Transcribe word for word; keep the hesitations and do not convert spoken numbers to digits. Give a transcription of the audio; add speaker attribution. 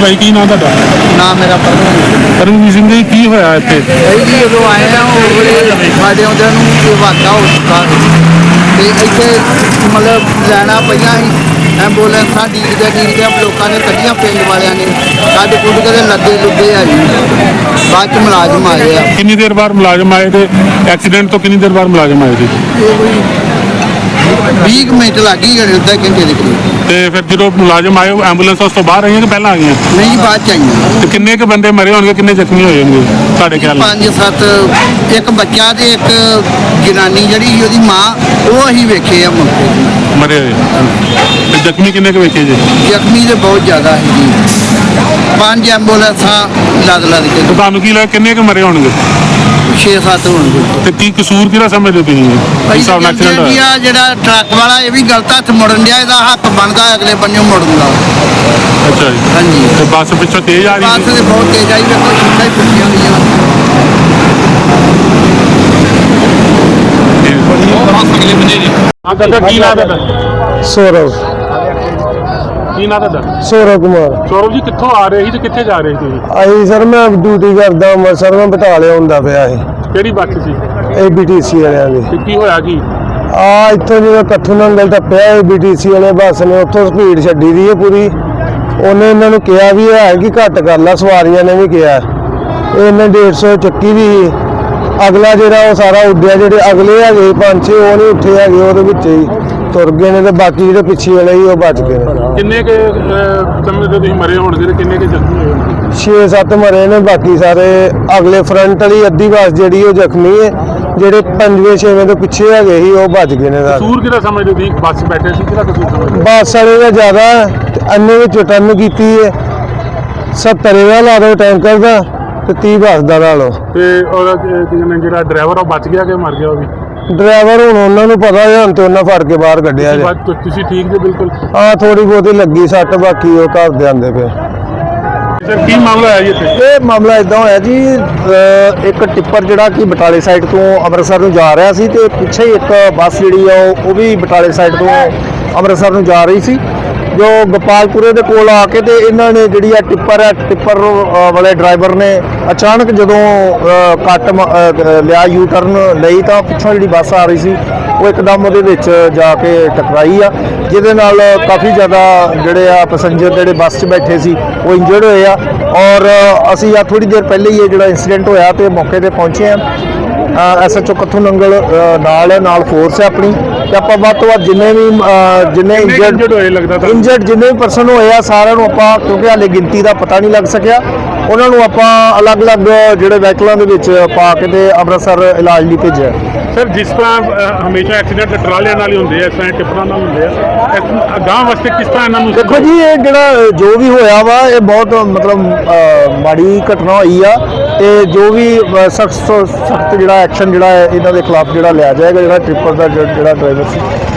Speaker 1: भाई की नाम तुहाडा?
Speaker 2: नाम मेरा परमवीर
Speaker 1: परमवीर सिंह जी, की होया इत्थे?
Speaker 2: भाई जी जो आए हैं साढ़े आउंदियां नूं ये वाक़ा हो चुका ते इत्थे मतलब लैना पईयां सी एंबूलेंसां ਡੀਕਦੇ ਡੀਕਦੇ लोगों ने कड्ढियां पिंड वालियां ने कड्ढ कुड्ढ के लद्दे लुद्दे आ जी बाद च मुलाजम आए आ।
Speaker 1: कितनी देर बाद मुलाजम आए थे? एक्सीडेंट तो कितनी देर बाद मुलाजम आए थे?
Speaker 2: बीस मिनट लग गई अद्धा घंटे के करीब।
Speaker 1: ਤੇ ਫਿਰ ਜਦੋਂ ਮੁਲਾਜ਼ਮ ਆਏ ਐਂਬੂਲੈਂਸ ਉਸ ਤੋਂ ਬਾਹਰ ਆਈਆਂ ਕਿ ਪਹਿਲਾਂ ਆ ਗਈਆਂ?
Speaker 2: नहीं बाद च आईयां।
Speaker 1: ਤੇ ਕਿੰਨੇ ਕੁ ਬੰਦੇ ਮਰੇ ਹੋਣਗੇ, ਕਿੰਨੇ ਜ਼ਖਮੀ ਹੋਏ ਹੋਣਗੇ ਤੁਹਾਡੇ ਖਿਆਲ ਨਾਲ?
Speaker 2: पांच सत्त एक बच्चा ते एक जनानी जिहड़ी ओहदी मां वो असीं वेखे आ मौके ते।
Speaker 1: ਮਰੇ ਹੋਏ ਤੇ ਜ਼ਖਮੀ ਕਿੰਨੇ ਕੁ ਵੇਖੇ ਜੀ?
Speaker 2: ਜ਼ਖਮੀ ਤੇ ਬਹੁਤ ਜ਼ਿਆਦਾ ਹੈ ਜੀ। ਪੰਜ ਐਂਬੂਲੈਂਸਾਂ ਲੱਦ ਲੱਦ ਕੇ
Speaker 1: ਤੇ ਤੁਹਾਨੂੰ ਕੀ ਲੱਗਦਾ ਕਿੰਨੇ ਕੁ ਮਰੇ ਹੋਣਗੇ?
Speaker 2: ਛੇ ਸੱਤ ਹੋਣਗੇ।
Speaker 1: ਤੇ ਕੀ ਕਸੂਰ ਕਿਹਦਾ ਸਮਝਦੇ ਹੋ ਤੁਸੀਂ ਇਸ ਹਿਸਾਬ ਨਾਲ ਐਕਸੀਡੈਂਟ
Speaker 2: ਜੀ
Speaker 1: ਹੋਇਆ?
Speaker 2: ਆ ਜਿਹੜਾ ਟਰੱਕ ਵਾਲਾ ਇਹ ਵੀ ਗਲਤ ਹੱਥ ਮੁੜਨ ਡਿਆ, ਇਹਦਾ ਹੱਥ ਬਣਦਾ ਅਗਲੇ ਬੰਨਿਓ ਮੁੜਨ ਦਾ।
Speaker 1: ਅੱਛਾ ਜੀ।
Speaker 2: ਹਾਂਜੀ
Speaker 1: ਤੇ ਬੱਸ ਪਿੱਛੋਂ ਤੇਜ਼ ਆ ਰਹੀ
Speaker 2: ਬੱਸ
Speaker 1: ਸੀ?
Speaker 2: ਤੇ ਬਹੁਤ ਤੇਜ਼ ਆਈ, ਵੇਖੋ ਸ਼ੀਸ਼ਾ ਹੀ ਫੁੱਟੀਆਂ ਗਈਆਂ।
Speaker 1: ਹਾਂ ਦਾਦਾ, ਕੀ ਨਾਮ ਹੈ ਤੁਹਾਡਾ?
Speaker 3: ਸੌਰਵ
Speaker 1: ਕੀ ਨਾਮ ਤੁਹਾਡਾ?
Speaker 3: ਸੌਰਵ ਕੁਮਾਰ।
Speaker 1: ਸੌਰਵ ਜੀ, ਕਿੱਥੋਂ ਆ ਰਹੇ ਸੀ ਤੇ ਕਿੱਥੇ ਜਾ ਰਹੇ ਸੀ ਤੁਸੀਂ?
Speaker 3: ਆਈ ਸਰ ਮੈਂ ਡਿਊਟੀ ਕਰਦਾ ਅੰਮ੍ਰਿਤਸਰ ਮੈਂ ਬਟਾਲੇ ਹੁੰਦਾ ਪਿਆ ਸੀ
Speaker 1: ਕਿਹੜੀ ਬੱਸ ਸੀ
Speaker 3: ਏ ਬੀ ਟੀ ਸੀ ਵਾਲਿਆਂ ਦੀ।
Speaker 1: ਤੇ ਕੀ ਹੋਇਆ ਕੀ?
Speaker 3: ਆ ਇੱਥੋਂ ਜਦੋਂ ਕੱਥੂ ਨੰਗਲ ਟੱਪਿਆ ਏ ਬੀ ਟੀ ਸੀ ਵਾਲੇ ਬੱਸ ਨੇ ਉੱਥੋਂ ਸਪੀਡ ਛੱਡੀ ਦੀ ਹੈ ਪੂਰੀ। ਉਹਨੇ ਇਹਨਾਂ ਨੂੰ ਕਿਹਾ ਵੀ ਹੈ ਕਿ ਘੱਟ ਕਰ ਲਾ, ਸਵਾਰੀਆਂ ਨੇ ਵੀ ਕਿਹਾ ਇਹਨੇ ਡੇਢ ਸੌ ਚੱਕੀ ਦੀ। ਅਗਲਾ ਜਿਹੜਾ ਉਹ ਸਾਰਾ ਉੱਡਿਆ, ਜਿਹੜੇ ਅਗਲੇ ਹੈਗੇ ਪੰਜ ਛੇ ਉਹ ਨਹੀਂ ਉੱਠੇ ਹੈਗੇ, ਉਹਦੇ ਵਿੱਚ ਹੀ ਤੁਰ ਗਏ ਨੇ ਤੇ ਬਾਕੀ ਜਿਹੜੇ ਪਿੱਛੇ ਵਾਲੇ ਸੀ ਉਹ ਬਚ ਗਏ ਨੇ।
Speaker 1: ਕਿੰਨੇ ਕੇ ਸਮਝਦੇ ਤੁਸੀਂ ਮਰੇ ਹੋਣਗੇ ਤੇ ਕਿੰਨੇ ਕੇ ਜ਼ਖਮੀ ਹੋਏ ਹੋਣਗੇ?
Speaker 3: ਛੇ ਸੱਤ ਮਰੇ ਨੇ, ਬਾਕੀ ਸਾਰੇ ਅਗਲੇ ਫਰੰਟ ਵਾਲੀ ਅੱਧੀ ਬੱਸ ਜਿਹੜੀ ਉਹ ਜ਼ਖਮੀ ਹੈ, ਜਿਹੜੇ ਪੰਜਵੇਂ ਛੇਵੇਂ ਤੋਂ ਪਿੱਛੇ ਹੈਗੇ ਸੀ ਉਹ ਬਚ ਗਏ ਨੇ ਸਾਰੇ।
Speaker 1: ਕਸੂਰ ਕਿਹਦਾ ਸਮਝਦੇ ਤੁਸੀਂ? ਬੱਸ ਬੈਠੇ ਸੀ, ਕਿਹਦਾ ਕਸੂਰ ਸਮਝਦੇ?
Speaker 3: ਬੱਸ ਵਾਲੇ ਦਾ ਜ਼ਿਆਦਾ ਅੰਨੇ ਵਿੱਚ ਟਰਨ ਕੀਤੀ ਹੈ, ਸੱਤਰ ਦਾ ਲਾ ਦਿਓ ਟੈਂਕਰ ਦਾ ਤੇ ਤੀਹ ਬੱਸ ਦਾ ਲਾ ਲਓ।
Speaker 1: ਤੇ ਉਹਦਾ ਕੀ ਕਹਿੰਦੇ ਜਿਹੜਾ ਡਰਾਈਵਰ ਉਹ ਬਚ ਗਿਆ ਕਿ ਮਰ ਗਿਆ? ਉਹ ਵੀ
Speaker 3: ਡਰਾਈਵਰ ਹੁਣ ਉਹਨਾਂ ਨੂੰ ਪਤਾ ਹੈ, ਹੁਣ ਤੇ ਉਹਨਾਂ ਫੜ ਕੇ ਬਾਹਰ ਕੱਢਿਆ ਜੇ।
Speaker 1: ਤੁਸੀਂ ਤੁਸੀਂ ਠੀਕ ਜੀ ਬਿਲਕੁਲ?
Speaker 3: ਹਾਂ ਥੋੜੀ ਬਹੁਤੀ ਲੱਗੀ ਸੱਟ, ਬਾਕੀ ਉਹ ਘਰ ਦੇ ਆਂਦੇ ਪਏ।
Speaker 1: ਸਰ ਕੀ ਮਾਮਲਾ ਹੈ ਜੀ ਇੱਥੇ?
Speaker 4: ਇਹ ਮਾਮਲਾ ਇਦਾਂ ਹੋਇਆ ਜੀ, ਅ, ਇੱਕ ਟਿੱਪਰ ਜਿਹੜਾ ਕਿ ਬਟਾਲੇ ਸਾਈਡ ਤੋਂ ਅੰਮ੍ਰਿਤਸਰ ਨੂੰ ਜਾ ਰਿਹਾ ਸੀ ਤੇ ਪਿੱਛੇ ਇੱਕ ਬੱਸ ਜਿਹੜੀ ਆ ਉਹ ਉਹ ਵੀ ਬਟਾਲੇ ਸਾਈਡ ਤੋਂ ਅੰਮ੍ਰਿਤਸਰ ਨੂੰ ਜਾ ਰਹੀ ਸੀ। ਜੋ ਗੋਪਾਲਪੁਰੇ ਦੇ ਕੋਲ ਆ ਕੇ ਤੇ ਇਹਨਾਂ ਨੇ ਜਿਹੜੀ ਆ ਟਿੱਪਰ ਹੈ ਟਿੱਪਰ ਅ, ਵਾਲੇ ਡਰਾਈਵਰ ਨੇ ਅਚਾਨਕ ਜਦੋਂ ਅ, ਕੱਟ ਮ- ਅ, ਲਿਆ ਯੂ ਟਰਨ ਲਈ ਤਾਂ ਪਿੱਛੋਂ ਜਿਹੜੀ ਬੱਸ ਆ ਰਹੀ ਸੀ ਉਹ ਇੱਕਦਮ ਉਹਦੇ ਵਿੱਚ ਜਾ ਕੇ ਟਕਰਾਈ ਆ, ਜਿਹਦੇ ਨਾਲ ਕਾਫੀ ਜ਼ਿਆਦਾ ਜਿਹੜੇ ਆ ਪੈਸੇਂਜਰ ਜਿਹੜੇ ਬੱਸ 'ਚ ਬੈਠੇ ਸੀ ਉਹ ਇੰਜਰਡ ਹੋਏ ਆ। ਔਰ ਅਸੀਂ ਆ ਥੋੜੀ ਦੇਰ ਪਹਿਲੇ ਹੀ ਇਹ ਜਿਹੜਾ ਇਨਸੀਡੈਂਟ ਹੋਇਆ ਤੇ ਮੌਕੇ ਤੇ ਪਹੁੰਚੇ ਆ। S H O Kathu Nangal ਅ, ਨਾਲ ਹੈ, ਨਾਲ ਫੋਰਸ ਹੈ ਆਪਣੀ, ਤੇ ਆਪਾਂ ਵੱਧ ਤੋਂ ਵੱਧ ਜਿੰਨੇ ਵੀ ਅ, ਜਿੰਨੇ
Speaker 1: ਇੰਜਰਡ ਹੋਏ ਲੱਗਦਾ ਤਾਂ
Speaker 4: ਇੰਜਰਡ ਜਿੰਨੇ ਵੀ ਪਰਸਨ ਹੋਏ ਆ ਸਾਰਿਆਂ ਨੂੰ ਆਪਾਂ, ਕਿਉਂਕਿ ਹਾਲੇ ਗਿਣਤੀ ਦਾ ਪਤਾ ਨਹੀਂ ਲੱਗ ਸਕਿਆ, ਉਹਨਾਂ ਨੂੰ ਆਪਾਂ ਅਲੱਗ-ਅਲੱਗ ਜਿਹੜੇ ਵਹੀਕਲਾਂ ਦੇ ਵਿੱਚ ਪਾ ਕੇ ਤੇ ਅੰਮ੍ਰਿਤਸਰ ਇਲਾਜ ਲਈ ਭੇਜਿਆ।
Speaker 1: ਸਰ ਜਿਸ ਤਰ੍ਹਾਂ ਅ, ਹਮੇਸ਼ਾ ਐਕਸੀਡੈਂਟ ਟਰਾਲਿਆਂ ਨਾਲ ਹੀ ਹੁੰਦੇ ਆ, ਇਸ ਤਰ੍ਹਾਂ ਟਿੱਪਰਾਂ ਨਾਲ ਹੁੰਦੇ ਆ, ਅਗਾਂਹ ਵਾਸਤੇ ਕਿਸ ਤਰ੍ਹਾਂ ਇਹਨਾਂ ਨੂੰ?
Speaker 4: ਦੇਖੋ ਜੀ ਇਹ ਜਿਹੜਾ ਜੋ ਵੀ ਹੋਇਆ ਵਾ ਇਹ ਬਹੁਤ ਮਤਲਬ ਅ, ਮਾੜੀ ਘਟਨਾ ਹੋਈ ਆ ਤੇ ਜੋ ਵੀ ਸਖਤ ਸਖਤ ਜਿਹੜਾ ਐਕਸ਼ਨ ਜਿਹੜਾ ਹੈ ਇਹਨਾਂ ਦੇ ਖਿਲਾਫ ਜਿਹੜਾ ਲਿਆ ਜਾਏਗਾ, ਜਿਹੜਾ ਟ੍ਰਿਪਰ ਦਾ ਜਿਹੜਾ ਡਰਾਈਵਰ ਸੀ